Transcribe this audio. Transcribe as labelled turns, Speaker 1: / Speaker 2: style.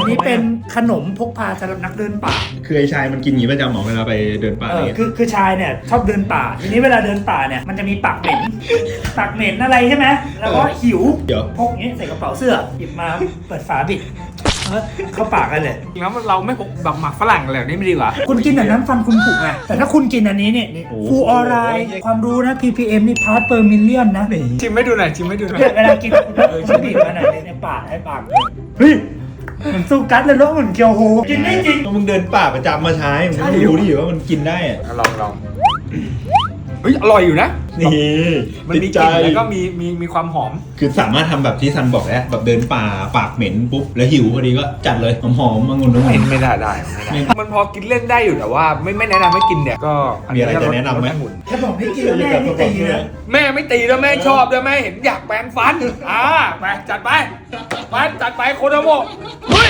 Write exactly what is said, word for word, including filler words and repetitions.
Speaker 1: อันนี้เป็นขนมพกพาสำหรับนักเดินป่า
Speaker 2: คือไอ้ชายมันกินอย่างนี้ประจำหมอเวลาไปเดินป่า
Speaker 1: เอ
Speaker 2: อะไร
Speaker 1: อ
Speaker 2: เงี้ย
Speaker 1: คือคือชายเนี่ยชอบเดินป่าทีนี้เวลาเดินป่าเนี่ยมันจะมีปากเหม็นปากเหม็นอะไรใช่ไหมแล้วก็หิว
Speaker 2: เดี๋ยว
Speaker 1: พกอย่างนี้ใส่กระเป๋าเสื้อหยิบมาเปิดฝาบิดเออเข้าปากกันเลย
Speaker 3: จริงแล้วเราไม่พกแบบหมักฝรั่งอะไรแบบนี้ไม่ดีกว่า
Speaker 1: คุณกินแต่น้ำฟันคุณผุไงแต่ถ้าคุณกินอันนี้เนี่ยฟูออไรความรู้นะ พี พี เอ็ม นี่พาร์ตเปอร์มิลเลียนนะ
Speaker 3: ชิมไม่ดูหน่อยชิมไม่ดูหน่อย
Speaker 1: เนี่ยเวลากินคุณต้องชิมบีบมาหน่อยในปากให้ปากเฮ้ยเหมือนซูกัสเลยแล้วเหมือนเกียวโฮกินได้จริง
Speaker 2: ก็มึงเดินป่าประจำมาใช้มึงก็รู้ดิว่ามันกินได้อะ
Speaker 3: ลองลองเฮ้ยอร่อยอยู่นะ
Speaker 2: นี่
Speaker 3: มันมี
Speaker 2: ติด
Speaker 3: ก
Speaker 2: ใจ
Speaker 3: ลิ่นแล้วก็มีมีมีความหอม
Speaker 2: คือสามารถทำแบบที่ซันบอกแล้วแบบเดินป่าปากเหม็นปุ๊บแล้วหิวพอดีก็จัดเลยหอมๆมางุ่นน้ำ
Speaker 3: ไม่
Speaker 2: มัน
Speaker 3: ไม่ได้ได้ไม่ได้ มันพอกินเล่นได้อยู่แต่ว่าไม่ไม่แนะนำให้กินเนี่ยก็
Speaker 2: มีอะไรจะแนะนำไหม
Speaker 3: รสองุ่น
Speaker 1: ถ้าบอกไม่กินแล้วแม่ไม่ตีนะ
Speaker 3: แม่ไม่ตีแล้วแม่ชอบด้วยแม่เห็นอยากแปรงฟันอ่าไปจัดไปไปจัดไปโคโดโมะเฮ้ย